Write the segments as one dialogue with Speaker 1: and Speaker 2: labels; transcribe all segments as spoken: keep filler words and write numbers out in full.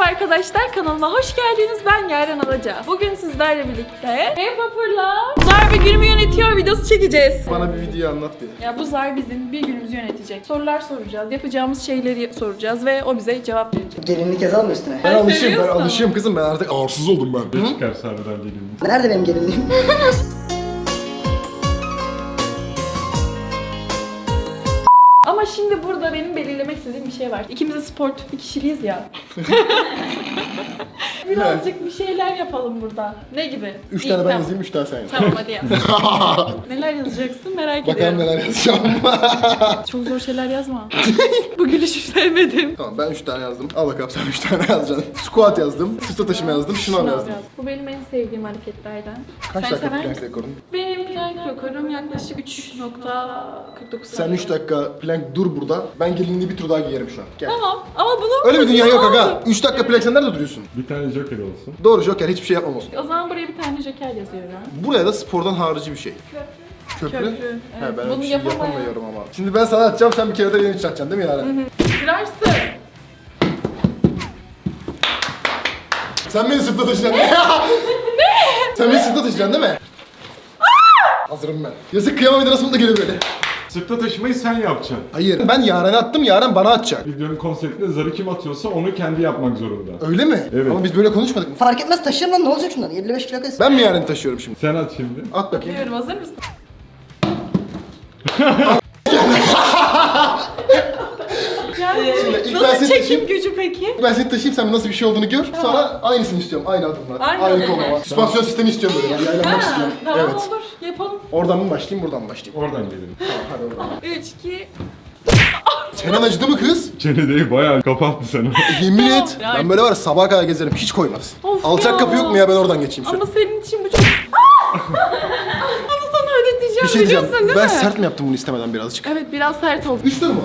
Speaker 1: arkadaşlar, kanalıma hoş geldiniz. Ben Yaren Alaca. Bugün sizlerle birlikte Ev Vapur'la Zar bir günümü yönetiyor videosu çekeceğiz.
Speaker 2: Bana bir video anlat bir.
Speaker 1: Ya bu Zar bizim bir günümüzü yönetecek. Sorular soracağız, yapacağımız şeyleri soracağız ve o bize cevap verecek.
Speaker 3: Gelinlik yazalım mı üstüne?
Speaker 2: Ben alışığım, ben
Speaker 1: seviyorsun.
Speaker 2: alışığım kızım. Ben artık arsız oldum ben.
Speaker 4: Ne çıkar sahneden gelin?
Speaker 3: Nerede benim gelinliğim?
Speaker 1: Ama şimdi burada benim belirlemek istediğim bir şey var. İkimiz de sport bir kişiliyiz ya. Birazcık bir şeyler yapalım burada. Ne gibi?
Speaker 2: Üç
Speaker 1: İyi,
Speaker 2: tane ben
Speaker 1: tamam.
Speaker 2: yazayım, üç tane sen yaz.
Speaker 1: Tamam hadi yaz. Neler yazacaksın merak
Speaker 2: Bakalım
Speaker 1: ediyorum.
Speaker 2: neler yazacağım.
Speaker 1: Çok zor şeyler yazma. Bu gülüşü sevmedim.
Speaker 2: Tamam, ben üç tane yazdım. Al bakalım sen üç tane yazacaksın. Squat yazdım, sırtla taşıma yazdım, şınav
Speaker 1: Şınav
Speaker 2: yazdım.
Speaker 1: yaz. Bu benim en sevdiğim hareketlerden.
Speaker 2: Kaç
Speaker 1: Sen
Speaker 2: dakika
Speaker 1: sever
Speaker 2: plank
Speaker 1: misin?
Speaker 2: rekorun?
Speaker 1: Benim plank rekorum yaklaşık üç nokta kırk dokuz
Speaker 2: Sen
Speaker 1: saniye.
Speaker 2: üç dakika plank dur burada. Ben gelinliği bir tur daha giyerim şu an. Gel.
Speaker 1: Tamam ama bunu...
Speaker 2: Öyle bir dünya yok aga.
Speaker 1: Oldu.
Speaker 2: üç dakika plank sen nerede duruyorsun?
Speaker 4: Bir tane joker olsun.
Speaker 2: Doğru, joker, hiçbir şey yapmam olsun.
Speaker 1: O zaman buraya bir tane joker yazıyorum.
Speaker 2: Buraya da spordan harici bir şey.
Speaker 1: Köprü.
Speaker 2: Köprü?
Speaker 1: Köprü,
Speaker 2: He,
Speaker 1: evet.
Speaker 2: ben
Speaker 1: Bunu
Speaker 2: öyle bir şey
Speaker 1: yapamam.
Speaker 2: yapamıyorum ama. Şimdi ben sana atacağım, sen bir kere de benim için atacaksın değil mi Yaren?
Speaker 1: Kırarsın.
Speaker 2: Sen beni sırtla taşıyacaksın. Ne? Sen beni sırtla taşıyacaksın değil mi? Hazırım ben. Yazık, kıyamam, bir de nasıl mutlu gelir böyle.
Speaker 4: Sırtla taşımayı sen yapacaksın.
Speaker 2: Hayır, ben Yaren'e attım, Yaren bana atacak.
Speaker 4: Videonun konseptinde zarı kim atıyorsa onu kendi yapmak zorunda.
Speaker 2: Öyle mi?
Speaker 4: Evet.
Speaker 2: Ama biz böyle konuşmadık mı?
Speaker 3: Fark etmez taşırım lan, ne olacak şundan? elli beş kilo kız.
Speaker 2: Ben mi Yaren'i taşıyorum şimdi?
Speaker 4: Sen at şimdi.
Speaker 2: At bakayım.
Speaker 1: Diyorum, hazır mısın? Yani
Speaker 2: ilk ben
Speaker 1: nasıl
Speaker 2: seni
Speaker 1: çekim
Speaker 2: taşıyayım.
Speaker 1: gücü peki?
Speaker 2: Ben seni taşıyayım, sen nasıl bir şey olduğunu gör. Sonra aynısını istiyorum, aynı adımlar.
Speaker 1: Aynı
Speaker 2: Aynı
Speaker 1: adımlar.
Speaker 2: koluma. Süspansiyon sistemi istiyorum böyle. Yani yaylanmak istiyorum.
Speaker 1: Tamam
Speaker 2: Evet.
Speaker 1: olur, yapalım.
Speaker 2: Oradan mı başlayayım, buradan mı başlayayım?
Speaker 4: Oradan gelelim.
Speaker 2: Tamam, hadi oradan.
Speaker 1: üç, iki...
Speaker 2: Çenen acıdı mı kız?
Speaker 4: Çenedeyi bayağı kapattı seni.
Speaker 2: Yemin et.
Speaker 1: Ya.
Speaker 2: Ben böyle var ya, sabaha kadar gezerim, hiç koymaz.
Speaker 1: Of
Speaker 2: Alçak
Speaker 1: ya.
Speaker 2: kapı yok mu ya, ben oradan geçeyim şöyle.
Speaker 1: Ama senin için bu çok... Onu sana ödeteceğim,
Speaker 2: Bir şey diyeceğim,
Speaker 1: biliyorsun değil
Speaker 2: ben
Speaker 1: mi?
Speaker 2: sert mi yaptım bunu istemeden birazcık?
Speaker 1: Evet, biraz sert oldu.
Speaker 2: Üç tur mu?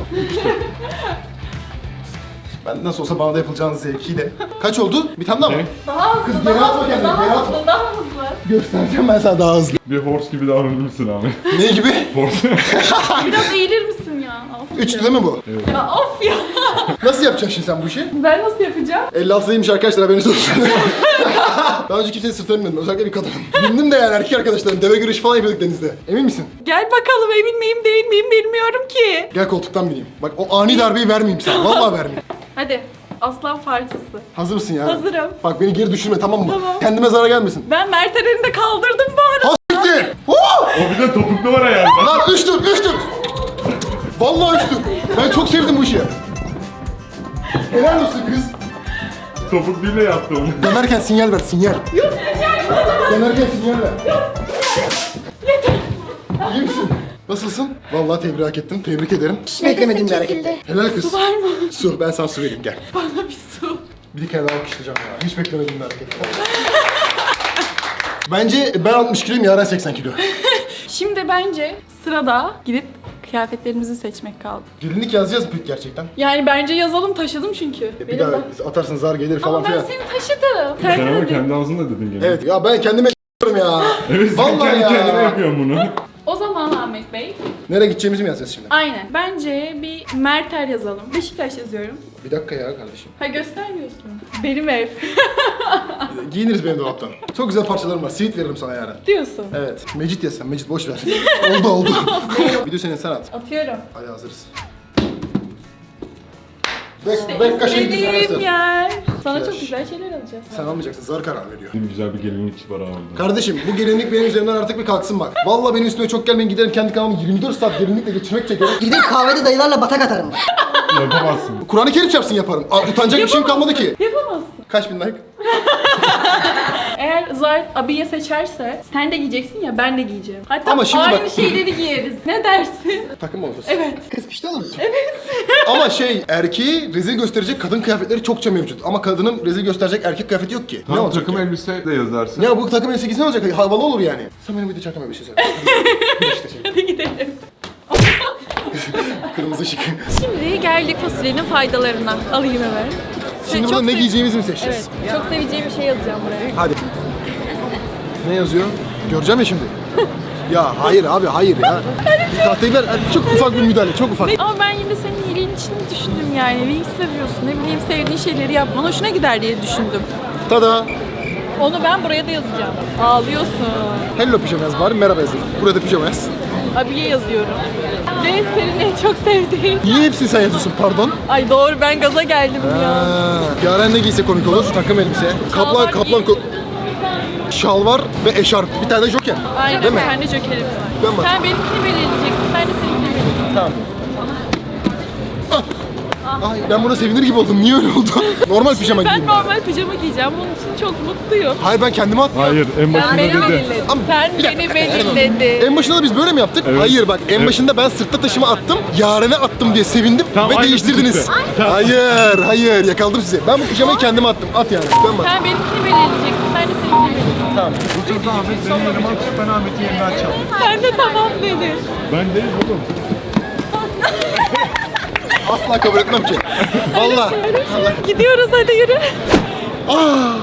Speaker 2: Ben nasıl olsa bana da yapılacağınız zevkiyle. Kaç oldu? Bir tane daha mı?
Speaker 4: Ne?
Speaker 1: Daha hızlı,
Speaker 2: Kız, geri
Speaker 1: daha
Speaker 2: atma
Speaker 1: hızlı,
Speaker 2: kendini,
Speaker 1: daha
Speaker 2: geri
Speaker 1: hızlı, daha hızlı.
Speaker 2: Göstereceğim ben sana daha hızlı.
Speaker 4: Bir horse gibi davranırsın abi.
Speaker 2: Ne gibi?
Speaker 4: Horse.
Speaker 1: Biraz eğilir misin ya? Of
Speaker 2: Üç
Speaker 1: ya.
Speaker 2: tur değil mi bu?
Speaker 1: Ya of ya.
Speaker 2: Nasıl yapacaksın şimdi sen bu işi?
Speaker 1: Ben nasıl yapacağım?
Speaker 2: elli altıdaymış arkadaşlar, haberiniz olsun. Daha önce kimsenin sırtına binmedim, özellikle bir kadın. Bindim de yani, erkek arkadaşlarım, deve güreşi falan yapıyorduk denizde. Emin misin?
Speaker 1: Gel bakalım, emin miyim değil miyim bilmiyorum ki.
Speaker 2: Gel koltuktan bineyim. Bak o ani darbeyi vermeyeyim sana, vallahi vermeyeyim.
Speaker 1: Hadi, aslan parçası.
Speaker 2: Hazır mısın ya?
Speaker 1: Hazırım.
Speaker 2: Bak beni geri düşürme, tamam mı?
Speaker 1: Tamam.
Speaker 2: Kendime zarar gelmesin.
Speaker 1: Ben Mert Eren'i de kaldırdım bu arada.
Speaker 2: Ha s**ti! Huu!
Speaker 4: O bir de topuklu var ayağında.
Speaker 2: Lan üç tur, üç tur! Vallahi üç tur! Ben çok sevdim bu işi. Helal olsun kız.
Speaker 4: Topukluyla yaptı onu.
Speaker 2: Dönerken sinyal ver, sinyal. Yok sinyal. Dönerken sinyal ver. İyi misin? Nasılsın? Vallahi tebrik hak ettim. Tebrik ederim.
Speaker 3: Hiç beklemediğim bir hareketti.
Speaker 2: Helal kız.
Speaker 1: Su var mı?
Speaker 2: Su. Ben sana su vereyim, gel.
Speaker 1: Bana bir su.
Speaker 2: Bir kere daha alkışlayacağım ya. Hiç beklemediğim bir hareket. Bence ben altmış kiloyum, Yaren seksen kilo.
Speaker 1: Şimdi bence sırada gidip kıyafetlerimizi seçmek kaldı.
Speaker 2: Gelinlik yazacağız mı peki gerçekten?
Speaker 1: Yani bence yazalım, taşıdım çünkü.
Speaker 2: Bir
Speaker 1: Benim
Speaker 2: daha
Speaker 1: bak-
Speaker 2: atarsın, zar gelir falan
Speaker 1: Ama ben
Speaker 2: filan.
Speaker 1: seni taşıdım. Sen
Speaker 4: Sen ama
Speaker 1: dedin.
Speaker 4: kendi ağzınla dedin gene.
Speaker 2: Evet ya, ben kendime s**yorum ya.
Speaker 4: Evet sen
Speaker 2: Vallahi
Speaker 4: kendi
Speaker 2: ya.
Speaker 4: kendine yapıyorsun bunu.
Speaker 1: O zaman Ahmet Bey,
Speaker 2: Nereye gideceğimizi mi yazacağız şimdi?
Speaker 1: aynen. Bence bir Merter yazalım. Beşiktaş yazıyorum.
Speaker 2: Bir dakika ya kardeşim.
Speaker 1: Ha, göstermiyorsun. Benim ev.
Speaker 2: Giyiniriz benim dolaptan. Çok güzel parçalarım var. Sivit veririm sana yarın.
Speaker 1: Diyorsun.
Speaker 2: Evet. Mecit yazsam. Mecit boş ver. oldu oldu. Video senin, sen at.
Speaker 1: Atıyorum.
Speaker 2: Hadi hazırız. Bek, bek kaşe gidiyoruz
Speaker 1: İstediğim
Speaker 2: arkadaşlar.
Speaker 1: yer. Sana
Speaker 2: Güzel.
Speaker 1: çok güzel şeyler alacağız.
Speaker 2: Sen almayacaksın. Zar karar veriyor.
Speaker 4: Benim güzel bir gelinlikçi var abi.
Speaker 2: Kardeşim bu gelinlik benim üzerimden artık bir kalksın bak. Vallahi benim üstüme çok gelmeyin, giderim kendi kanalımı yirmi dört saat gelinlikle geçirmek çekerim.
Speaker 3: Gidip kahvede dayılarla batak atarım.
Speaker 4: Yapamazsın.
Speaker 2: Kur'an-ı Kerim çarpsın yaparım. Aa, utanacak bir şeyim kalmadı ki.
Speaker 1: Yapamazsın.
Speaker 2: Kaç bin like?
Speaker 1: Eğer Zar abiye seçerse sen de giyeceksin ya, ben de giyeceğim. Hatta
Speaker 2: Ama şimdi
Speaker 1: aynı
Speaker 2: bak-
Speaker 1: şeyleri giyeriz. Ne dersin?
Speaker 2: Takım mı olursun?
Speaker 1: Evet.
Speaker 3: Kız pişti olur musun?
Speaker 2: Ama şey, erkeği rezil gösterecek kadın kıyafetleri çokça mevcut. Ama kadının rezil gösterecek erkek kıyafeti yok ki. ne
Speaker 4: Tam
Speaker 2: olacak
Speaker 4: takım
Speaker 2: ya?
Speaker 4: elbise de yazarsın.
Speaker 2: Ya bu takım elbise giysen ne olacak? Havalı olur yani. Sen benim bir de çakama bir şey söyle. işte şey.
Speaker 1: Hadi gidelim.
Speaker 2: Kırmızı ışık.
Speaker 1: Şimdi gerlik fasulyenin faydalarına alayım hemen.
Speaker 2: Şimdi
Speaker 1: Çok
Speaker 2: burada ne
Speaker 1: sev-
Speaker 2: giyeceğimizi mi seçeceğiz?
Speaker 1: Evet, çok seveceğim bir şey yazacağım buraya.
Speaker 2: Hadi. Ne yazıyor? Göreceğim ya şimdi. Ya hayır abi, hayır ya. Bir tahtayı ver. Hadi çok ufak bir müdahale, çok ufak.
Speaker 1: Ama ben yine senin iyiliğini için düşündüm yani. Wings seviyorsun. Ne bileyim sevdiğin şeyleri yapman hoşuna gider diye düşündüm.
Speaker 2: Tada!
Speaker 1: Onu ben buraya da yazacağım. Ağlıyorsun.
Speaker 2: Hello pijama yaz bari, merhaba yazın. Burada pijama yaz.
Speaker 1: Abiye yazıyorum. Ve senin en çok sevdiğin.
Speaker 2: Niye hepsini sen yazıyorsun pardon?
Speaker 1: Ay doğru ben gaza geldim ya.
Speaker 2: Ha, Yaren ne giyse komik olur? Takım elbise. Kaplan,
Speaker 1: Şalvar
Speaker 2: kaplan,
Speaker 1: giy-
Speaker 2: ko- şalvar ve eşarp. Bir tane de joker.
Speaker 1: Aynen
Speaker 2: Değil mi?
Speaker 1: ben de jokerim var.
Speaker 2: Ben bak.
Speaker 1: Sen benimkini belirleyeceksin. Ben de seninkini belirleyeceğim.
Speaker 2: Tamam. Ay, ben buna sevinir gibi oldum. Niye öyle oldu? Normal pijama
Speaker 1: Ben
Speaker 2: giyeyim.
Speaker 1: normal pijama giyeceğim. Bunun için çok mutluyum.
Speaker 2: Hayır ben kendime attım.
Speaker 4: Hayır en
Speaker 1: Sen
Speaker 4: başında
Speaker 1: beni
Speaker 4: dedi.
Speaker 1: belirledin.
Speaker 2: Ama
Speaker 1: Sen
Speaker 2: bir dakika,
Speaker 1: beni
Speaker 2: Eren Hanım.
Speaker 1: belirledin.
Speaker 2: En başında da biz böyle mi yaptık?
Speaker 4: Evet.
Speaker 2: Hayır bak en
Speaker 4: Evet.
Speaker 2: başında ben sırtta taşıma attım. Yaren'e attım diye sevindim
Speaker 4: Tamam,
Speaker 2: ve
Speaker 4: aynısı
Speaker 2: değiştirdiniz.
Speaker 4: çıktı. Tamam.
Speaker 2: Hayır hayır yakaladım sizi. Ben bu pijamayı kendime attım. At yani. Ben bak.
Speaker 1: Sen benimkini belirleyeceksin. Ben de seninkini belirleyeceğim.
Speaker 2: Tamam.
Speaker 5: Bu turda Ahmet benim yerime atış, ben Ahmet'in yerine açalım.
Speaker 1: Sen de tamam dedin.
Speaker 4: Ben değil oğlum.
Speaker 2: Asla kabul etmem ki. Valla.
Speaker 1: Gidiyoruz hadi yürü.
Speaker 2: Ah.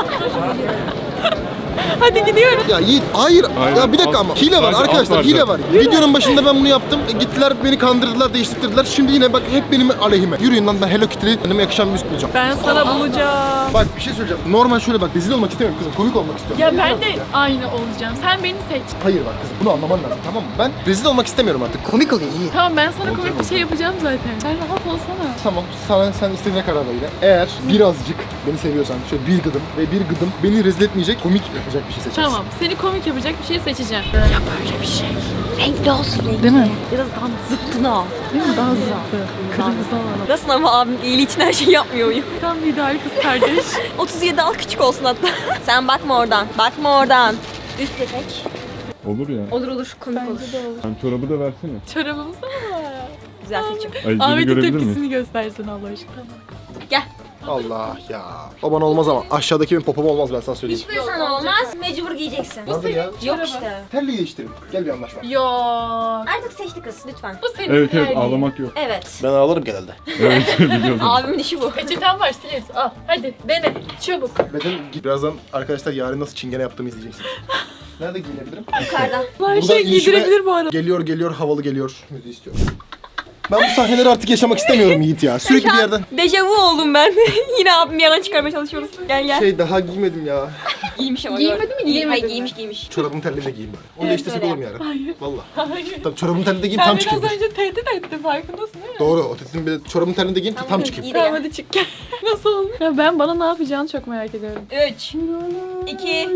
Speaker 1: Hadi gidiyoruz.
Speaker 2: Ya Yiğit hayır.
Speaker 4: Hayır,
Speaker 2: Ya bir dakika
Speaker 4: alt-
Speaker 2: ama hile var
Speaker 4: sadece alt
Speaker 2: arkadaşlar
Speaker 4: var
Speaker 2: hile
Speaker 4: zaten.
Speaker 2: var. Videonun başında ben bunu yaptım. E, Gittiler beni kandırdılar değiştirdiler. Şimdi yine bak hep benim aleyhime. Yürüyün lan ben Hello Kitty'li kendime yakışan bir üst bulacağım.
Speaker 1: Ben sana bulacağım.
Speaker 2: Bak bir şey söyleyeceğim. Normal şöyle bak rezil olmak istemiyorum kızım. Komik olmak istiyorum.
Speaker 1: Ya ben de aynı olacağım. Sen beni seç.
Speaker 2: Hayır bak kızım bunu anlaman lazım tamam mı? Ben rezil olmak istemiyorum artık.
Speaker 3: Komik oluyor iyi.
Speaker 1: Tamam ben sana komik bir şey yapacağım zaten. Sen rahat olsana.
Speaker 2: Tamam sana sen istediğine karar ver yine. Eğer birazcık beni seviyorsan şöyle bir gıdım ve bir gıdım beni rezil etmeyecek komik yapacak bir şey seçersin.
Speaker 1: Tamam seni komik yapacak bir şey seçeceğim. Ya böyle bir şey. Renkli olsun renkli. Değil mi?
Speaker 6: Biraz daha zıttını al.
Speaker 1: Değil mi? Daha zıttı. Kırmızı alalım.
Speaker 6: Nasıl ama abim iyiliği için her şeyi yapmıyor muyum?
Speaker 1: Tam bir ideal kız kardeş.
Speaker 6: otuz yedi al küçük olsun hatta. Sen bakma oradan. Bakma oradan. Üst etek.
Speaker 4: Olur ya.
Speaker 6: Olur olur komik olur.
Speaker 4: Sen çorabı da versene.
Speaker 1: Çorabımız da var.
Speaker 6: Güzel seçim.
Speaker 4: Ayıcını
Speaker 1: Ahmet'in
Speaker 4: görebilir miyim?
Speaker 1: tepkisini göstersin Allah aşkına.
Speaker 6: Gel.
Speaker 2: Allah ya. O bana olmaz ama aşağıdaki benim popom olmaz ben sana söyleyeyim.
Speaker 6: Hiçbir sana olmaz. Mecbur giyeceksin.
Speaker 2: Nasıl ya?
Speaker 6: Yok işte.
Speaker 2: Terliği değiştirin. Gel bir anlaşma.
Speaker 1: Yok.
Speaker 6: Artık seçti kız lütfen.
Speaker 1: Bu senin
Speaker 4: Evet evet
Speaker 1: terliğin.
Speaker 4: ağlamak yok.
Speaker 6: Evet.
Speaker 2: Ben ağlarım genelde.
Speaker 4: Evet biliyorum.
Speaker 6: Abimin işi bu.
Speaker 1: Peçeten var sileriz. Al hadi dene. Çabuk.
Speaker 2: Benim birazdan arkadaşlar yarın nasıl çingene yaptığımı izleyeceksiniz. Nerede giyinebilirim?
Speaker 6: Yukarıda.
Speaker 1: Her şey
Speaker 2: inişime
Speaker 1: giydirebilir bu arada.
Speaker 2: Geliyor geliyor havalı geliyor. Müziği istiyorum. Ben bu sahneleri artık yaşamak istemiyorum Yiğit ya. Sürekli bir yerden.
Speaker 6: Dejavu oldum ben. Yine abim yalan çıkarmaya çalışıyoruz. Gel gel.
Speaker 2: Şey daha giymedim ya.
Speaker 6: Giymiş ama.
Speaker 1: Giymedi
Speaker 6: gördüm.
Speaker 1: mi,
Speaker 6: Giy-
Speaker 1: giyemedi
Speaker 6: Hayır
Speaker 1: mi?
Speaker 6: giymiş giymiş.
Speaker 2: Çorabımın telliğini de giyeyim bari. Onu
Speaker 6: Evet,
Speaker 2: değiştirsek
Speaker 6: öyle
Speaker 2: olur mu yarın?
Speaker 1: Hayır.
Speaker 2: Valla.
Speaker 1: Hayır.
Speaker 2: Tamam çorabımın telliğini de giyeyim
Speaker 1: Sen
Speaker 2: tam
Speaker 1: biraz
Speaker 2: çıkayım.
Speaker 1: önce tehdit ettin farkındasın değil mi?
Speaker 2: Doğru. O tetiğin bir de çorabımın telliğini de giyeyim ki tam
Speaker 6: Tamam,
Speaker 2: çıkayım.
Speaker 6: iyi de
Speaker 1: Tamam
Speaker 6: gel.
Speaker 1: hadi çık gel. Nasıl olmuş? Ya ben bana ne yapacağını çok merak ediyorum.
Speaker 6: üç, iki,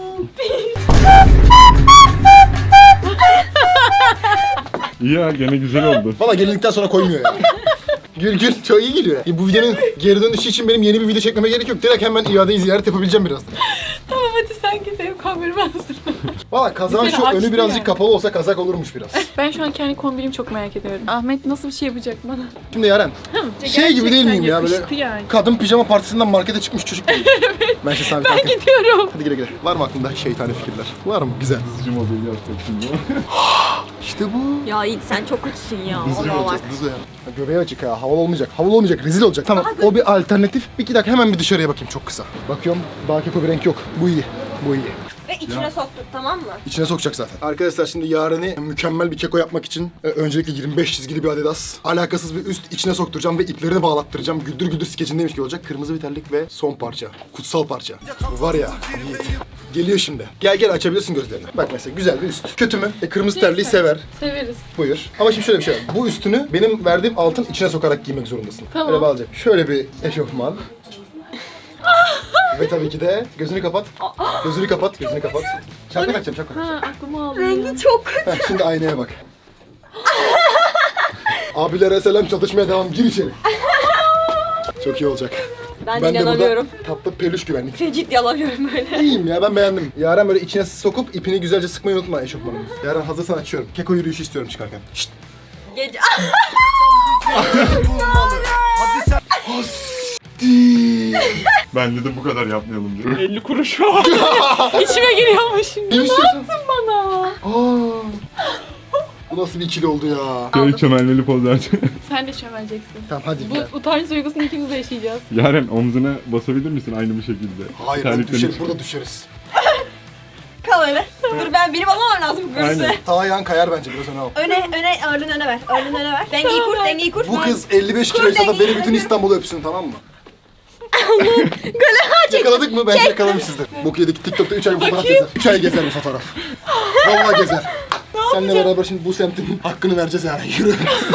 Speaker 4: İyi ya gene güzel oldu.
Speaker 2: Valla gelinlikten sonra koymuyor ya. Gül gül çok iyi geliyor. Ya bu videonun geri dönüşü için benim yeni bir video çekmeme gerek yok. Direkt hemen iadeyi ziyaret yapabileceğim birazdan.
Speaker 1: Tamam hadi sen git benim kamerımı hazırla.
Speaker 2: Valla kazağın
Speaker 1: Seni
Speaker 2: şu önü
Speaker 1: açtı
Speaker 2: birazcık
Speaker 1: yani.
Speaker 2: kapalı olsa kazak olurmuş biraz.
Speaker 1: Ben şu an kendi kombinimi çok merak ediyorum. Ahmet nasıl bir şey yapacak bana?
Speaker 2: Şimdi Yaren, şey gibi değil miyim ya böyle
Speaker 1: Yakıştı yani.
Speaker 2: kadın pijama partisinden markete çıkmış çocuk gibi. Ben şey sabit
Speaker 1: Ben gidiyorum.
Speaker 2: Hadi güle güle. Var mı aklında şeytani fikirler? Var mı? Güzel.
Speaker 4: Hızlıcı modeli yapacak şimdi.
Speaker 2: İşte bu.
Speaker 6: Ya Yiğit sen çok kötüsün ya.
Speaker 2: Hızlı
Speaker 6: Vallahi bak.
Speaker 2: olacağız, hızlı ya. Ha, Göbeği açık ha, havalı olmayacak. Havalı olmayacak, rezil olacak. Tamam, o bir alternatif. Bir iki dakika hemen bir dışarıya bakayım çok kısa. Bakıyorum, daha keko bir renk yok. Bu iyi, bu iyi.
Speaker 6: Ve içine soktuk tamam mı?
Speaker 2: İçine sokacak zaten. Arkadaşlar şimdi Yaren'i mükemmel bir keko yapmak için e, öncelikle yirmi beş çizgili bir Adidas. Alakasız bir üst içine sokturacağım ve iplerini bağlattıracağım. Güldür güldür skecindeymiş gibi olacak. Kırmızı bir terlik ve son parça. Kutsal parça. Bu var ya, Yiğit. Geliyor şimdi. Gel gel açabilirsin gözlerini. Bak mesela güzel bir üst. Kötü mü? E, kırmızı terliği sever.
Speaker 1: Severiz.
Speaker 2: Buyur. Ama şimdi şöyle bir şey var. Bu üstünü benim verdiğim altın içine sokarak giymek zorundasın.
Speaker 1: Tamam.
Speaker 2: Böyle bağlayacak. Şöyle bir eşofman. Ve tabii ki de gözünü kapat. Gözünü kapat, gözünü kapat. Şapka takacağım, şapka takacağım.
Speaker 1: Ha aklımı aldı.
Speaker 6: Rengi çok kötü.
Speaker 2: Heh, şimdi aynaya bak. Abilere selam, çalışmaya devam. Gir içeri. Çok iyi olacak.
Speaker 6: Ben,
Speaker 2: Ben de
Speaker 6: inanamıyorum.
Speaker 2: burada tatlı peluş güvenlik.
Speaker 6: Seni ciddi alamıyorum böyle.
Speaker 2: İyiyim ya, ben beğendim. Yaren böyle içine sokup ipini güzelce sıkmayı unutma eşofmanın. Yaren hazırsan açıyorum. Keko yürüyüşü istiyorum çıkarken. Şşt.
Speaker 6: Gece...
Speaker 4: Bence de bu kadar yapmayalım diyor.
Speaker 1: elli kuruş var. İçime giriyormuş şimdi.
Speaker 2: İyi
Speaker 1: Ne
Speaker 2: misin?
Speaker 1: yaptın bana?
Speaker 2: Aa. Bu nasıl bir ikili oldu ya?
Speaker 4: Şey çömelmeli poz verecek.
Speaker 1: Sen de çömeleceksin.
Speaker 2: Tamam hadi. gel.
Speaker 1: Bu utanç duygusunu ikimiz de yaşayacağız.
Speaker 4: Yaren omzuna basabilir misin aynı bir şekilde?
Speaker 2: Hayır, ben
Speaker 4: Terliklerini
Speaker 2: düşeriz,
Speaker 4: çıkar.
Speaker 2: burada düşeriz.
Speaker 6: Kal öyle. Dur ben benim almam lazım bu kursu.
Speaker 4: Aynen.
Speaker 2: Sağ ayağın kayar bence biraz öne al.
Speaker 6: Öne, öne, ağırlığını öne ver. Ağırlığını öne ver. Dengeyi kur, dengeyi kur.
Speaker 2: Bu kız elli beş kiloysa da beni bütün İstanbul'u öpsün, tamam mı?
Speaker 6: Gole çek.
Speaker 2: Yakaladık mı? Bence yakalamışızdır. Bok yedik. TikTok'ta üç ay bu fotoğraf gezer. üç ay gezer bu fotoğraf. Vallahi gezer. Seninle beraber şimdi bu semtin hakkını vereceğiz yani. Yürü.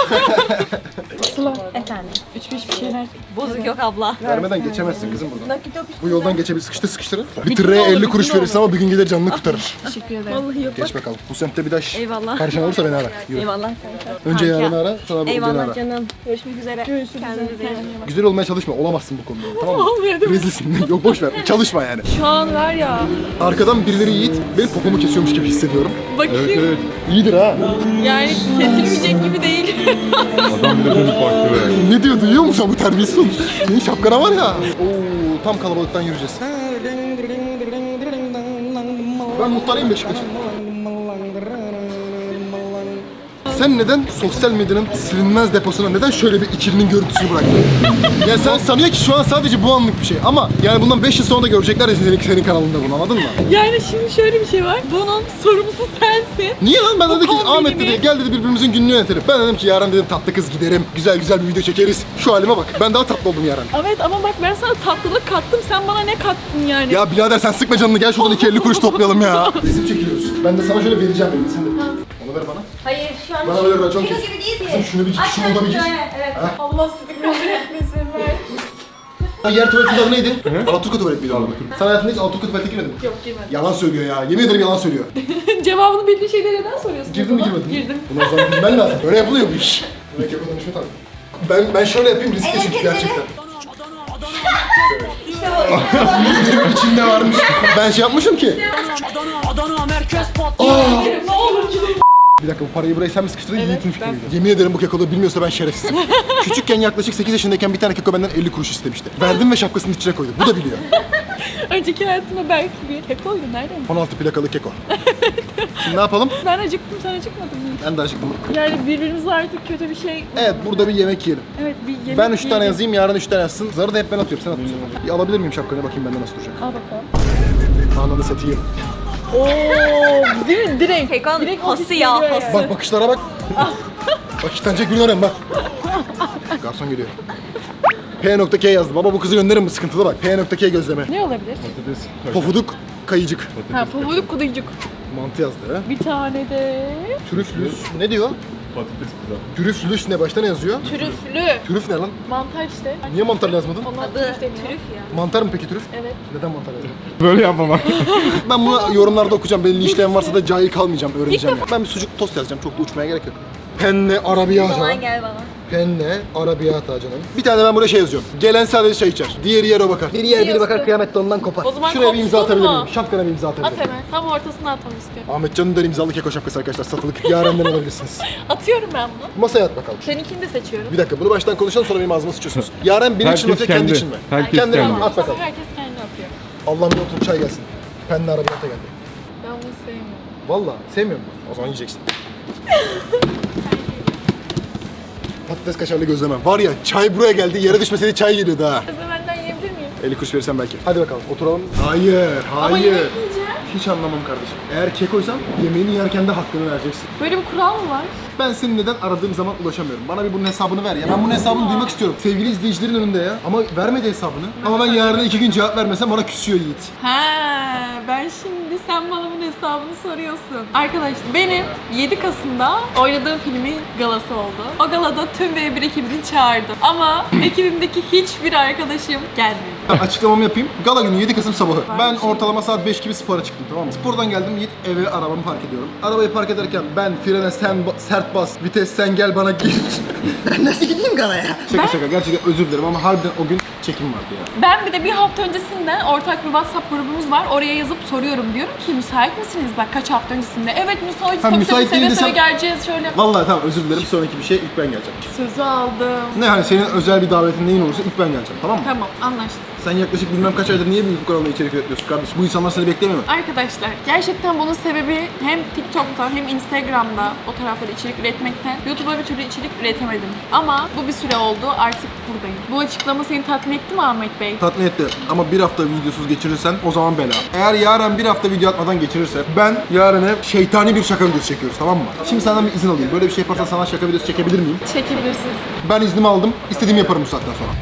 Speaker 6: Efendim.
Speaker 1: Üç beş bir şeyler.
Speaker 6: Bozuk yok abla.
Speaker 2: Vermeden geçemezsin kızım buradan.
Speaker 6: Nakit yok.
Speaker 2: Bu yoldan geçebilir. Sıkıştır sıkıştırın. Bir tıraya elli kuruş verirsin ama bir gün gelir canını kurtarır.
Speaker 1: Teşekkür ederim.
Speaker 6: Vallahi yok.
Speaker 2: Geç bakalım. Bu semtte bir daha iş.
Speaker 6: Eyvallah.
Speaker 2: Karşına olursa beni ara. Yürü.
Speaker 6: Eyvallah kanka.
Speaker 2: Önce
Speaker 6: Kanka.
Speaker 2: yarını ara, sonra bu beni
Speaker 6: Eyvallah
Speaker 2: ara.
Speaker 6: canım. Görüşmek üzere. Kendinize iyi bakın.
Speaker 2: Güzel olmaya çalışma. Olamazsın bu konuda. Tamam mı?
Speaker 1: Olmuyor değil mi?
Speaker 2: Rezilsin. Yok boş ver. Çalışma yani.
Speaker 1: Şu an var ya.
Speaker 2: Arkadan birileri Yiğit benim popomu kesiyormuş gibi hissediyorum.
Speaker 1: Bakayım.
Speaker 4: Evet evet.
Speaker 2: İyidir ha.
Speaker 1: Yani kesilmeyecek gibi değil.
Speaker 4: Adam bir de dönüp baktı be.
Speaker 2: Ne diyor, duyuyor musun bu terbiyesiz olmuş? Senin şapkana var ya. Oo, tam kalabalıktan yürüyeceğiz. Ben muhtarıyım Beşiktaş'ın. Sen neden sosyal medyanın silinmez deposuna neden şöyle bir ikilinin görüntüsünü bıraktın? Ya sen sanıyor ki şu an sadece bu anlık bir şey ama yani bundan beş yıl sonra da görecekler ya senin, senin kanalında bunu, anladın mı?
Speaker 1: Yani şimdi şöyle bir şey var. Bunun sorumlusu sensin.
Speaker 2: Niye lan? Ben
Speaker 1: Bu
Speaker 2: dedi ki
Speaker 1: kombinimi-
Speaker 2: Ahmet dedi gel dedi birbirimizin gününü yönetelim. Ben dedim ki yarın dedim tatlı kız giderim. Güzel güzel bir video çekeriz. Şu halime bak. Ben daha tatlı oldum yarın.
Speaker 1: Evet ama bak ben sana tatlılık kattım. Sen bana ne kattın yani?
Speaker 2: Ya birader sen sıkma canını, gel şuradan iki elli kuruş toplayalım ya. Resim çekiliyoruz. Ben de sana şöyle vereceğim dedim. Sen de. Onu ver bana.
Speaker 6: Hayır şu an
Speaker 2: Bana ver, ben çok
Speaker 6: kilo
Speaker 2: kes.
Speaker 6: gibi değil
Speaker 2: Kızım şunu bir şunu da bir gir.
Speaker 6: Evet.
Speaker 1: Allah sizi kahretmesin ver.
Speaker 2: Yer tuvaletin adı neydi? Alaturka tuvalet miydi onun? Sen hayatında hiç Alaturka tuvalete girmedin mi?
Speaker 1: Yok girmedim.
Speaker 2: Yalan söylüyor ya. Yemin ederim yalan söylüyor.
Speaker 1: Cevabını bildiğin şeyleri neden soruyorsun?
Speaker 2: Girdin mi
Speaker 1: baba?
Speaker 2: girmedin mi?
Speaker 1: Girdim.
Speaker 2: Bunu o zaman bilmen lazım. Böyle yapılıyor bu iş. Böyle keko danışma tabii. Ben, ben şöyle yapayım riskli çünkü gerçekten.
Speaker 6: İşte bu.
Speaker 2: İçinde varmış. Ben şey yapmışım ki.
Speaker 1: Ne olur gidelim.
Speaker 2: Bir dakika bu parayı buraya sen mi sıkıştırdın? Yiğit'in fikriydi. Yemin ederim bu kekoda bilmiyorsa ben şerefsizim. Küçükken yaklaşık sekiz yaşındayken bir tane keko benden elli kuruş istemişti. Verdim ve şapkasının içine koydu. Bu da biliyor.
Speaker 1: Önceki hayatımda belki bir kekoydu. Nereden?
Speaker 2: on altı plakalı keko. Şimdi ne yapalım?
Speaker 1: Ben acıktım, sen acıkmadın mı?
Speaker 2: Ben de acıktım.
Speaker 1: Yani birbirimize artık kötü bir şey...
Speaker 2: Evet burada bir yemek yiyelim.
Speaker 1: Evet bir yemek
Speaker 2: Ben üç tane
Speaker 1: yiyelim.
Speaker 2: yazayım, yarın üç tane yazsın. Zarı da hep ben atıyorum, sen atıyorsun. Bir alabilir miyim şapkanı, bakayım bende nasıl duracak.
Speaker 1: Al bakalım.
Speaker 2: Ananı satayım.
Speaker 1: Oo, değil mi? Direkt.
Speaker 6: Kekon
Speaker 1: Direkt
Speaker 6: hası
Speaker 1: ofis
Speaker 6: ya,
Speaker 1: geliyor
Speaker 6: hası.
Speaker 1: yani.
Speaker 2: Bak bakışlara bak. Bak iştenecek birini arıyorum bak. Garson geliyor. P.K yazdı. Baba bu kızı gönderin mi? Sıkıntılı bak. P.K gözleme.
Speaker 1: Ne olabilir?
Speaker 4: Patates.
Speaker 2: Pofuduk kayıcık.
Speaker 1: Ha, pabuluk kuduycuk.
Speaker 2: Mantı yazdı ha.
Speaker 1: Bir tane de...
Speaker 2: Trüflüs. Ne diyor?
Speaker 4: Patates kızar.
Speaker 2: Trüflüs ne? Başta ne yazıyor?
Speaker 1: Trüflü.
Speaker 2: Trüf ne lan?
Speaker 1: Mantar işte.
Speaker 2: Niye mantar yazmadın?
Speaker 1: Onlar
Speaker 6: Adı
Speaker 1: trüf deniyor.
Speaker 6: trüf ya.
Speaker 2: Mantar mı peki trüf?
Speaker 1: Evet.
Speaker 2: Neden mantar yazdın?
Speaker 4: Böyle yapmamak.
Speaker 2: Ben bunu yorumlarda okuyacağım. Beni linçleyen varsa da cahil kalmayacağım. Öğreneceğim. Yani. Ben bir sucuk tost yazacağım. Çok da uçmaya gerek yok. Penne
Speaker 6: O
Speaker 2: arabiyata.
Speaker 6: zaman gel bana.
Speaker 2: Penne arabiyata canım. Bir tane ben buraya şey yazıyorum. Gelen sadece çay içer. Diğeri yer o bakar. Biri yer biri bakar kıyamette ondan kopar.
Speaker 1: O zaman
Speaker 2: Şuraya bir imza
Speaker 1: kopsun
Speaker 2: atabilir
Speaker 1: mu?
Speaker 2: miyim? Şapkana bir imza atabilir
Speaker 1: At
Speaker 2: miyim?
Speaker 1: hemen. Tam ortasına atmamı istiyorum.
Speaker 2: Ahmet Can'ın da imzalı keko şapkası arkadaşlar. Satılık. Yarenden alabilirsiniz.
Speaker 1: Atıyorum ben bunu.
Speaker 2: Masaya at bakalım.
Speaker 1: Seninkini de seçiyorum.
Speaker 2: Bir dakika bunu baştan konuşalım sonra benim ağzıma sıçıyorsunuz. Yaren benim için mi
Speaker 4: Herkes
Speaker 2: atıyor kendi
Speaker 4: kendi.
Speaker 2: için mi?
Speaker 4: Herkes
Speaker 2: Kendine
Speaker 4: kendi.
Speaker 2: mi? At bakalım.
Speaker 1: Herkes kendi atıyor.
Speaker 2: Allah'ım bir otur çay gelsin. Penne arabiyata geldi.
Speaker 1: Ben bunu sevmiyorum.
Speaker 2: Valla sevmiyor musun? O zaman yiyeceksin. Patates kaşarlı gözleme. Var ya çay buraya geldi, yere düşmeseydi çay geliyordu ha.
Speaker 1: Siz de benden yiyebilir miyim?
Speaker 2: elli kuruş verirsen belki. Hadi bakalım oturalım. Hayır,
Speaker 1: Ama
Speaker 2: hayır.
Speaker 1: yemek yiyeceğim.
Speaker 2: Hiç anlamam kardeşim. Eğer kekoysan yemeğini yerken de hakkını vereceksin.
Speaker 1: Böyle bir kural mı var?
Speaker 2: Ben senin neden aradığım zaman ulaşamıyorum. Bana bir bunun hesabını ver ya. Ben bunun hesabını duymak istiyorum. Sevgili izleyicilerin önünde ya. Ama vermedi hesabını. Ama ben yarına iki gün cevap vermesem bana küsüyor Yiğit.
Speaker 1: He, ben şimdi sen bana bunun hesabını soruyorsun. Arkadaşlar benim yedi Kasım'da oynadığım filmin galası oldu. O galada tüm B bir ekibini çağırdım. Ama ekibimdeki hiçbir arkadaşım gelmedi.
Speaker 2: Ben açıklamamı yapayım. Gala günü yedi Kasım sabahı. Ben ortalama saat beş gibi spora çıktım, tamam mı? Spordan geldim Yiğit, eve arabamı park ediyorum. Arabayı park ederken ben frene sen ba- sert bas, vites sen gel bana gir.
Speaker 3: Ben nasıl gideyim galaya?
Speaker 2: Şaka şaka gerçekten özür dilerim ama harbiden o gün çekim vardı ya.
Speaker 1: Ben bir de bir hafta öncesinden ortak bir WhatsApp grubumuz var. Oraya yazıp soruyorum. Diyorum ki müsait misiniz? Bak kaç hafta öncesinde. Evet müsait.
Speaker 2: Ha,
Speaker 1: Tabii
Speaker 2: müsait
Speaker 1: tabii,
Speaker 2: değil
Speaker 1: seve seve
Speaker 2: desem-
Speaker 1: geleceğiz şöyle.
Speaker 2: Vallahi tamam özür dilerim, sonraki bir şey ilk ben geleceğim.
Speaker 1: Sözü aldım.
Speaker 2: Ne hani senin özel bir davetin neyin olursa ilk ben geleceğim, tamam mı?
Speaker 1: Tamam anlaştık.
Speaker 2: Sen yaklaşık bilmem kaç aydır niye bu kanalda içerik üretiyorsun kardeşim? Bu insanlar seni beklemiyor mu?
Speaker 1: Arkadaşlar gerçekten bunun sebebi hem TikTok'ta hem Instagram'da o taraflarda içerik üretmekten YouTube'a bir türlü içerik üretemedim. Ama bu bir süre oldu, artık buradayım. Bu açıklama seni tatmin etti mi Ahmet Bey?
Speaker 2: Tatmin etti ama bir hafta videosuz geçirirsen o zaman bela. Eğer Yaren bir hafta video atmadan geçirirse ben Yaren'e şeytani bir şaka videosu çekiyoruz, tamam mı? Şimdi senden bir izin alayım. Böyle bir şey yaparsan sana şaka videosu çekebilir miyim?
Speaker 1: Çekebilirsin.
Speaker 2: Ben iznimi aldım. İstediğimi yaparım bu saatten sonra.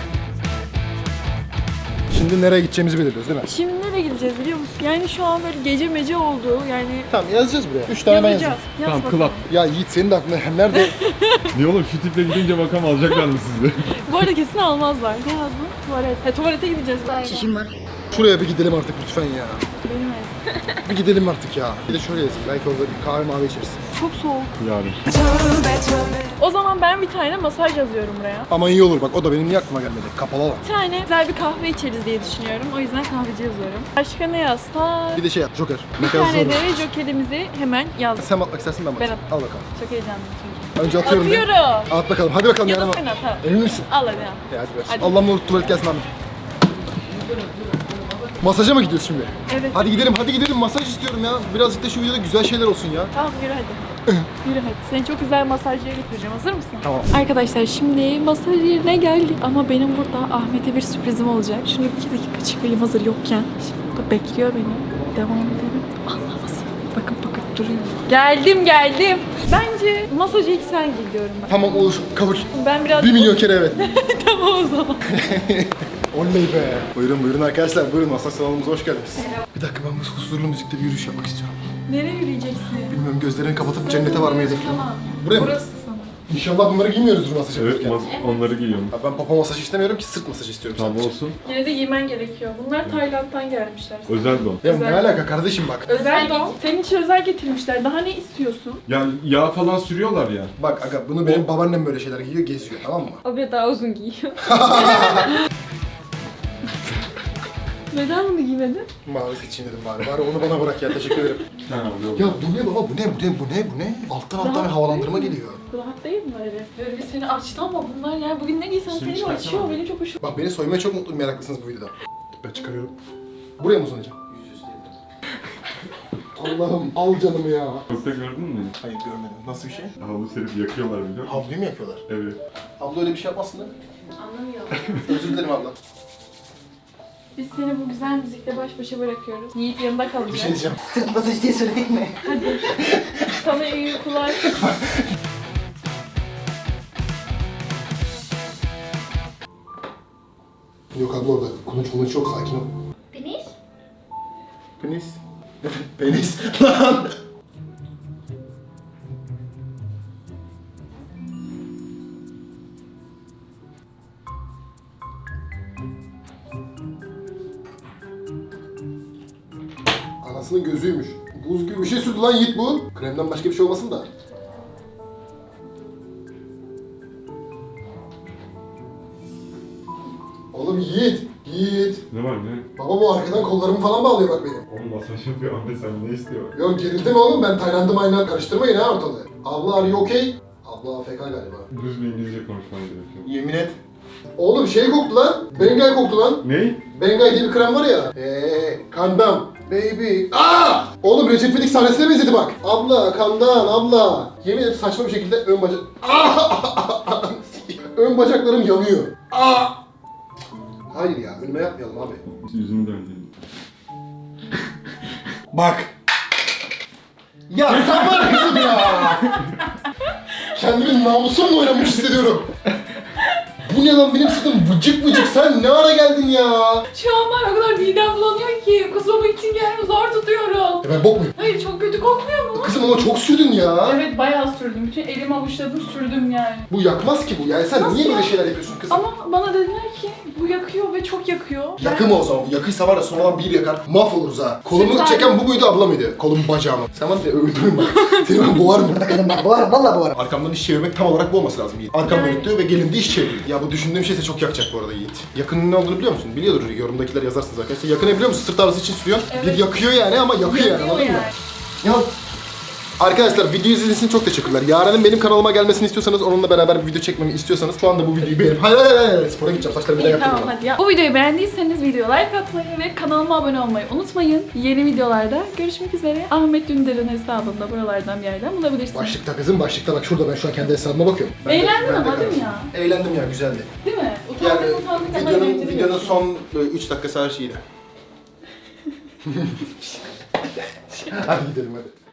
Speaker 2: Şimdi nereye gideceğimizi belirliyoruz değil mi?
Speaker 1: Şimdi nereye gideceğiz biliyor musun? Yani şu an böyle gece mece oldu yani
Speaker 2: Tamam, yazacağız buraya. Üç tane ben
Speaker 1: yazacağız.
Speaker 2: yazayım.
Speaker 1: Yaz
Speaker 4: Tamam,
Speaker 1: bakalım.
Speaker 4: club.
Speaker 2: Ya Yiğit, senin de aklında nerede?
Speaker 4: Niye oğlum şu tiple gidince bakalım alacaklar mı sizi?
Speaker 1: Bu arada kesin almazlar. Ne yazdın? Tuvalet. He tuvalete gideceğiz.
Speaker 3: Çişim var.
Speaker 2: Şuraya bir gidelim artık lütfen ya.
Speaker 1: Benim ev.
Speaker 2: Bir gidelim artık ya. Bir de şöyle yazayım. Belki orada bir kahve mavi içeriz.
Speaker 1: Çok soğuk.
Speaker 4: Yarın.
Speaker 1: O zaman ben bir tane masaj yazıyorum buraya.
Speaker 2: Ama iyi olur bak, o da benim niye aklıma gelmedi? Kapalı alan.
Speaker 1: Bir tane güzel bir kahve içeriz diye düşünüyorum. O yüzden kahveci yazıyorum. Başka ne yazsak?
Speaker 2: Bir de şey yap, Joker.
Speaker 1: Bir
Speaker 2: Mekan
Speaker 1: tane
Speaker 2: zor.
Speaker 1: de jokerimizi hemen yazdım.
Speaker 2: Sen atmak istersin ben
Speaker 1: Ben
Speaker 2: bakayım.
Speaker 1: at-
Speaker 2: Al bakalım.
Speaker 1: Çok heyecanlıyım çünkü.
Speaker 2: Önce atıyorum. ben.
Speaker 1: Atıyorum.
Speaker 2: At bakalım. Hadi bakalım
Speaker 1: Ya da
Speaker 2: Yaren.
Speaker 1: sen at ha.
Speaker 2: Emin misin?
Speaker 1: Al hadi al.
Speaker 2: Ya hadi ver.
Speaker 1: Hadi.
Speaker 2: Allah'ım ne olur tuvalet gelsin abi. Masaja mı gidiyoruz şimdi?
Speaker 1: Evet.
Speaker 2: Hadi gidelim, hadi gidelim. Masaj istiyorum ya. Birazcık da şu videoda güzel şeyler olsun ya.
Speaker 1: Tamam yürü hadi. Yürü hadi. Seni çok güzel masajcıya götüreceğim. Hazır mısın?
Speaker 2: Tamam.
Speaker 1: Arkadaşlar şimdi masaj yerine geldik. Ama benim burada Ahmet'e bir sürprizim olacak. Şunu iki dakika çıkayım hazır yokken. Şimdi burada bekliyor beni. Devam edelim. Anlamasın. Bakın bakın duruyor. Geldim geldim. Bence masajı ilk sen gir diyorum ben.
Speaker 2: Tamam olur, kabul.
Speaker 1: Ben biraz...
Speaker 2: Bir milyon kere evet.
Speaker 1: Tamam o zaman.
Speaker 2: Oley be. Buyurun buyurun arkadaşlar, buyurun masaj salonumuza hoş geldiniz. Bir dakika, ben bu huzurlu müzikte bir yürüyüş yapmak istiyorum.
Speaker 1: Nereye yürüyeceksin?
Speaker 2: Bilmiyorum, gözlerini kapatıp cennete varmayı hedefliyorum.
Speaker 1: Tamam.
Speaker 2: Buraya mı?
Speaker 1: Burası sana.
Speaker 2: İnşallah bunları giymiyoruzdur masaj
Speaker 4: Evet,
Speaker 2: yaparken.
Speaker 4: mas- onları giyiyorum.
Speaker 2: Ya ben papa masajı istemiyorum ki, sırt masajı istiyorum
Speaker 4: Tamam
Speaker 2: sadece.
Speaker 4: olsun.
Speaker 1: Yine de giymen gerekiyor. Bunlar Tayland'dan gelmişler.
Speaker 4: Özel don.
Speaker 2: Ya
Speaker 1: Özel.
Speaker 2: ne alaka kardeşim bak.
Speaker 1: Özel don. Senin için özel getirmişler. Daha ne istiyorsun?
Speaker 4: Yani yağ falan sürüyorlar ya.
Speaker 2: Bak aga, bunu benim babaannem böyle şeyler giyiyor, geziyor, tamam mı?
Speaker 1: Abi daha uzun giyiyor. Neden bunu giymedin?
Speaker 2: Mavi seçeyim dedim bari. Bari onu bana bırak ya, teşekkür ederim.
Speaker 4: Ha, yok.
Speaker 2: Ya bu ne baba, bu ne, bu ne, bu ne, bu ne? Alttan alttan bir havalandırma geliyor.
Speaker 1: Rahat değil mi böyle? Böyle bir seni açtı ama bunlar yani bugün ne giysen
Speaker 4: Şimdi
Speaker 1: seni açıyor.
Speaker 4: çıkartamam.
Speaker 1: Benim çok hoşuma.
Speaker 2: Bak beni soymaya çok mutlu, meraklısınız bu videoda. Ben çıkarıyorum. Buraya mı uzanacağım? Allah'ım al canımı ya.
Speaker 4: Yoksa gördün mü?
Speaker 2: Hayır görmedim. Nasıl bir şey?
Speaker 4: Havlu serip yakıyorlar biliyor musun?
Speaker 2: Havluyu mu yapıyorlar?
Speaker 4: Evet.
Speaker 2: Abla öyle bir şey yapmasın değil mi?
Speaker 1: Anlamıyorum.
Speaker 2: Özür dilerim abla.
Speaker 1: Biz seni bu güzel müzikle baş başa bırakıyoruz. Yiğit yanında
Speaker 2: Bir
Speaker 1: kalacak.
Speaker 2: şey diyeceğim.
Speaker 3: Sırt masajı diye söyledik mi?
Speaker 1: Sana iyi uykular.
Speaker 2: Yok abla orada. Konuş konuş yok, sakin ol.
Speaker 6: Penis?
Speaker 2: Penis. Penis. Lan. Anasının gözüymüş. Buz gibi bir şey sürdü lan Yiğit bu. Kremden başka bir şey olmasın da. Oğlum Yiğit. Yiğit.
Speaker 4: Ne var ne?
Speaker 2: Baba bu arkadan kollarımı falan bağlıyor bak benim.
Speaker 4: Oğlum masaj yapıyor Ahmet, sen ne istiyor?
Speaker 2: Yok gerildim oğlum, ben Tayland'ı mayna karıştırmayın ha ortalığı. Abla are you okay? Abla A F K galiba.
Speaker 4: Düz bir İngilizce konuşman gerekiyor.
Speaker 2: Yemin et. Oğlum şey koktu lan. Bengay koktu lan.
Speaker 4: Ne?
Speaker 2: Bengay diye bir krem var ya. Eee kandam. Baby. Aa! Oğlum Recep İvedik sahnesine benzedi bak. Abla kandan abla. Yemin ederim saçma bir şekilde ön bacak... Aa! Ön bacaklarım yanıyor. Aa! Hayır ya, önüme yapmayalım abi.
Speaker 4: Yüzümü döndürdüm.
Speaker 2: Bak. Ya sen var ya kızım ya. Kendimi namusumla oynamış hissediyorum. Bu ne lan, benim sırtım vıcık vıcık, sen ne ara geldin ya?
Speaker 1: Şu an var o kadar midem bulanıyor ki kusmamak için kendimi zor tutuyorum.
Speaker 2: E ben bok muyum?
Speaker 1: Hayır çok kötü kokmuyor mu?
Speaker 2: Kızım ama çok sürdün ya.
Speaker 1: Evet bayağı sürdüm. Bütün elimi avuçladım sürdüm yani.
Speaker 2: Bu yakmaz ki bu yani, sen
Speaker 1: Nasıl
Speaker 2: niye böyle
Speaker 1: ya?
Speaker 2: şeyler yapıyorsun kızım?
Speaker 1: Ama bana dediler ki bu yakıyor ve çok yakıyor.
Speaker 2: Yakı mı o zaman? Bu yakıysa var ya sonradan bir yakar, mahvoluruz ha. Kolumu
Speaker 1: Süper.
Speaker 2: çeken bu muydu, abla mıydı? Kolum bacağımı. Sen var ya öldürürüm bak. Seni ben boğarım.
Speaker 3: Bakalım bak boğarım, valla boğarım.
Speaker 2: Arkamdan iş çevirmek tam olarak bu olması lazım Yiğit. Arkam
Speaker 1: Yani-
Speaker 2: dönük diyor ve gelimde iş çeviriyor. Ya bu düşündüğüm şeyse çok yakacak bu arada Yiğit. Yakının ne olduğunu biliyor musun? Biliyordur, yorumdakiler yazarsınız arkadaşlar. Yakını biliyor musun? Sırt ağrısı için sürüyor.
Speaker 1: Evet.
Speaker 2: Bir yakıyor yani ama yakıyor, yani
Speaker 1: Yakıyor
Speaker 2: anladın mı?
Speaker 1: yani.
Speaker 2: Ya arkadaşlar video izlediğiniz için çok teşekkürler. Yaren'in benim kanalıma gelmesini istiyorsanız, onunla beraber bir video çekmemi istiyorsanız şu anda bu videoyu beğenip... Hayır hayır hayır, hayır. Spora gideceğim, saçlarımı bir daha
Speaker 1: İyi tamam
Speaker 2: yaptıracağım.
Speaker 1: hadi ya. Bu videoyu beğendiyseniz video like atmayı ve kanalıma abone olmayı unutmayın. Yeni videolarda görüşmek üzere. Ahmet Dündar'ın hesabında buralardan bir yerden bulabilirsiniz.
Speaker 2: Başlıkta kızım, başlıkta bak şurada, ben şu an kendi hesabıma bakıyorum. Ben de-
Speaker 1: Eğlendin
Speaker 2: ben de
Speaker 1: ama değil mi
Speaker 2: kalsın.
Speaker 1: ya?
Speaker 2: Eğlendim ya, güzeldi.
Speaker 1: Değil mi? Utandık,
Speaker 2: Yani
Speaker 1: utandık ama
Speaker 2: videonun,
Speaker 1: eğlenceli
Speaker 2: videonun
Speaker 1: geçti.
Speaker 2: son üç dakikası her şeydi. Hadi gidelim hadi.